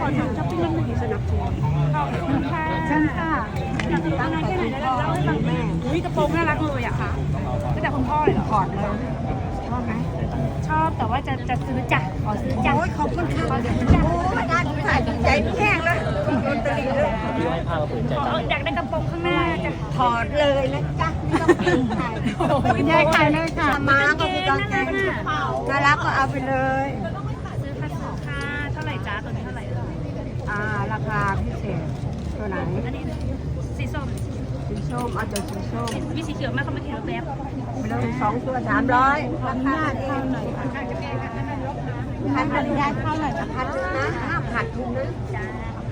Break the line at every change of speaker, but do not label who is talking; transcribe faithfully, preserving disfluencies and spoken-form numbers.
อทำช้อปปิ้งแล้วไม่สนับสนุนขอบคุณค่ะเชิญค่ะอยากตั้งใจแค่ไหนแล้วเล่าให้ฟังแม่อุ้ยกระโปรงน่ารักเลยอะค่ะตั้งแต่คุณพ่อเลยเหรอถอดเลยชอบไหมชอบแต่ว่าจะจะซื้อจ้ะขอซื้อจ้ะโอ้ยขอบคุณค่ะขอซื้อจ้ะโอ้ยได้ถ่ายใจแห้งเลยโดนตรีเลยอยากได้กระโปรงข้างหน้าจ้ะถอดเลยนะจ๊ะไม่ต้องซื้อใครยายขายเลยค่ะมาก็คือกางเกงน่ารักก็เอาไปเลยซื้อค่ะซื้อค่ะเท่าไหร่จ้าตัวนี้เท่าไหร่อ่าราคาพิเศษตัวไหนอันนี้สีส้มสีส้มเอาตัวสีส้มมีสีเขียวไหมเขาไม่เขียวแบบไปเลยสองตัวสามร้อยราคาเองหน่อยค่ะจะแก้กันนั่นลบนะขาดทุนได้เท่าไหร่ขาดทุนนะห้ามขาดทุนนะจ้า